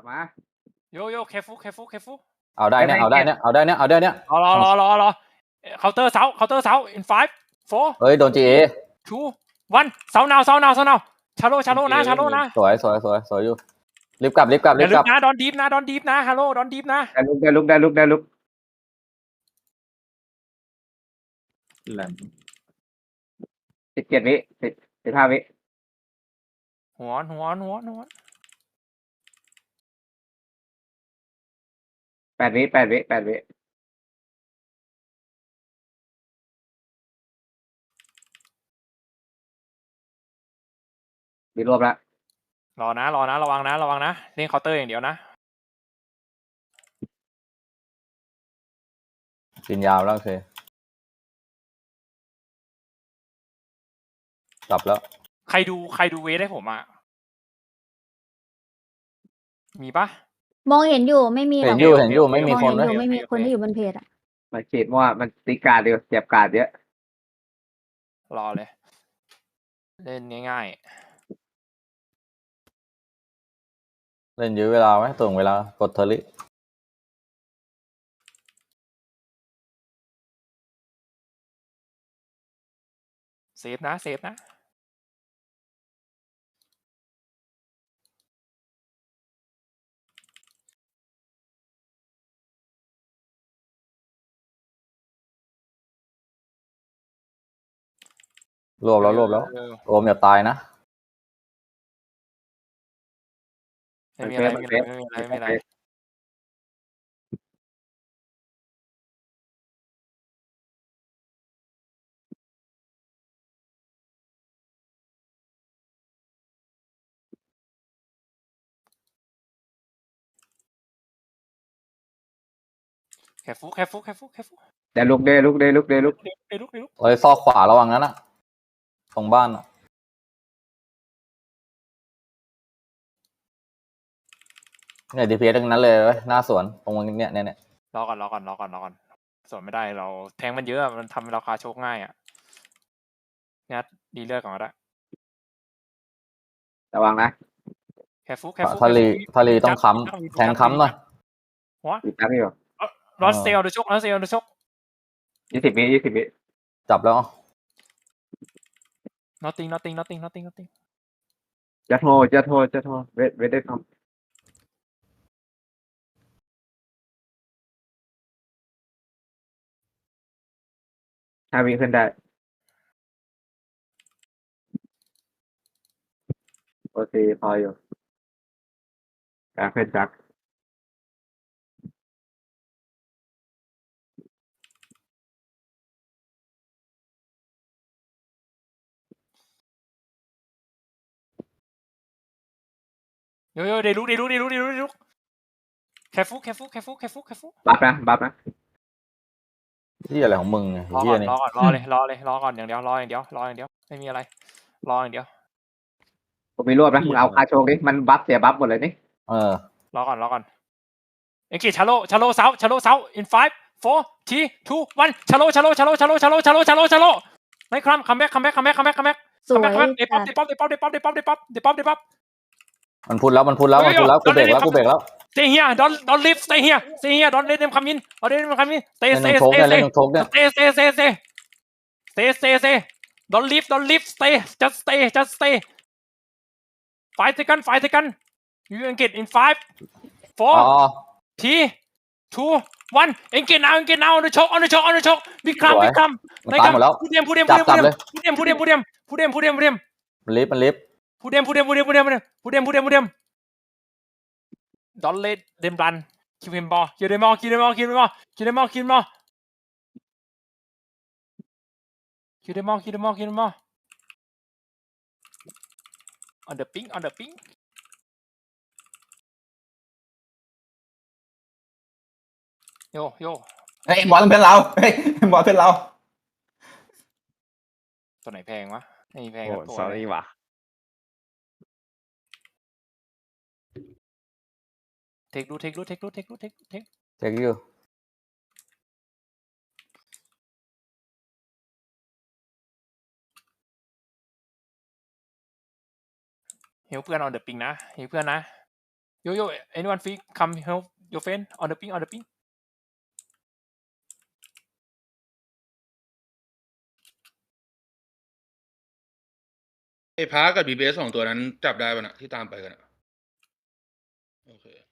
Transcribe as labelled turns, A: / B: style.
A: ลับมา
B: โยเคฟู
C: เอาได้เนี่ย
B: รอเคาน์เตอร์เสา in 5 4
C: เฮ้ยโดน GA
B: 2 1เสา now ชาโลนะ
C: สวยอยู่รีบกลับ
B: นะดอนดีฟนะฮัลโหลดอนดีฟนะ
A: ได้ลุก17 วิ15 วิ
B: หัว
A: 8 วิมีรวบแล้ว
B: รอนะระวังนะเล่นเคาน์เตอร์อย่างเดียวนะ
C: กินยาวแล้วโอเคกลับแล้ว
B: ใครดูเวทให้ผมอ่ะมีปะ
D: มองเห็นอยู่ไม่มีหรอก
C: เห็นอยู่ไม่มีคนนะ
D: ไม่มีคนที่อยู่บนเพจอ่ะ
A: มันเขียนว่ามันตีการเดียวเสียบการเยอะ
B: รอเลยเล่นง่าย
C: เล่นยื้อเวลาไหมตรงเวลากดเทอร์ลิ
B: เซฟนะ
C: รวบแล้วโอมอย่าตายนะ
B: ไม่มีอะไรแค่ฟู
A: ได้ลุก
B: เ
C: เฮ้ยซอกขวาระวังนั้นนะตรงบ้านเนี่ยดีพีเอสทั้งนั้นเลยหน้าสวนตรงเนี่ย
B: รอก่อนสวนไม่ได้เราแทงมันเยอะมันทำราคาโชคง่ายอ่ะงัดดีเลือดก่อนก็ได้
A: ระวังนะ
B: แค่ฟู
C: ทารีต้องค้ำแทงค้ำหน่อย
A: อีกครั้งอยู่
B: รอสเซลดูชก
A: 20 วิ
C: จับแล้ว
B: nothing
A: จะโทรเวทได้ทำ5 วิขึ้นได้โอเคพออยู่การเพื่อนจัก
B: โยเดลุกแค่ฟู
A: บัฟนะ
C: ที่อะไรของมึงเนี่ยที่นี่
B: รอก่อนอย่างเดียวไม่มีอะไรรออย่างเดียว
A: ผมมีรวบนะมึงเอาคาโชกดิมันบัฟเสียบัฟหมดเลยนี่
B: รอก่อนเอ็งกี้ชาโลเสา in 5 4 3 2 1ชาโลไม่ครัมคัมแบ็ก
D: สวย
B: เดป๊อป
C: มันพูดแล้วกูเบรกแล้ว
B: stay here don't leave stay here don't let them come in stay
C: stay
B: don't leave stay just stay 5 seconds you can get in 5 4 3 2 1 engage now on the choke big climb
C: มันตายหมดแล้ว
B: พูดเดียม
C: จับเลย
B: พูดเดียม
C: มันลิฟ
B: พูดเดียมdon't let them run kill him ball kill them all on the ping โย
E: เฮ้ยบอลเป็นเรา
B: ตัวไหนแพงวะไม่แพง
E: โอ้ sorry ว่ะ
B: เทคดู
C: เทคอยู่
B: เฮลเพื่อนเอาเดอะปิงนะเฮลเพื่อนนะ Yo, anyone free? Come help your friend on the ping.
F: ไอ้พากับบีเบส2 ตัวนั้นจับได้ป่ะนะที่ตามไปกันอะโอเค